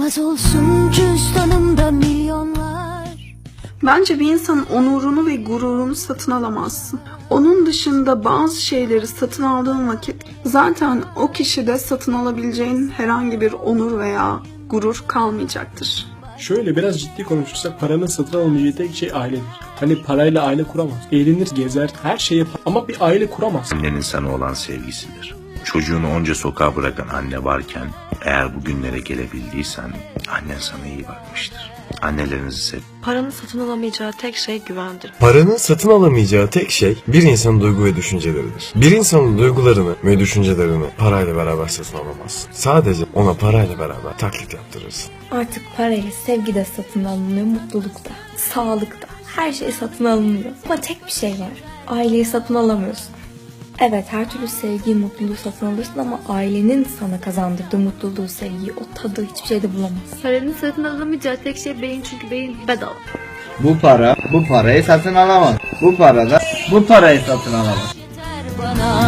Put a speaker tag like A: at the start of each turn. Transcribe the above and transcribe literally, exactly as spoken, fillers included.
A: Çıkmaz olsun cüzdanımda milyonlar.
B: Bence bir insanın onurunu ve gururunu satın alamazsın. Onun dışında bazı şeyleri satın aldığın vakit zaten o kişide satın alabileceğin herhangi bir onur veya gurur kalmayacaktır.
C: Şöyle biraz ciddi konuşursak paranın satın alamayacağı tek şey ailedir. Hani parayla aile kuramaz. Eğlenir, gezer, her şeyi yapar ama bir aile kuramaz.
D: Annenin sana olan sevgisidir. Çocuğunu onca sokağa bırakan anne varken eğer bu günlere gelebildiysen annen sana iyi bakmıştır. Annelerinizi sev.
E: Paranın satın alamayacağı tek şey güvendir.
F: Paranın satın alamayacağı tek şey bir insanın duygu ve düşünceleridir. Bir insanın duygularını ve düşüncelerini parayla beraber satın alamazsın. Sadece ona parayla beraber taklit yaptırırsın.
G: Artık parayla sevgi de satın alınıyor, mutluluk da, sağlık da. Her şey satın alınıyor. Ama tek bir şey var. Aileyi satın alamıyorsun. Evet, her türlü sevgiyi, mutluluğu satın alırsın ama ailenin sana kazandırdığı mutluluğu, sevgiyi, o tadı hiçbir şeyde bulamazsın.
H: Paranın satın alamayacağı tek şey beyin, çünkü beyin bedava.
I: Bu para bu parayı satın alamaz. Bu para da bu parayı satın alamaz.
A: Yeter bana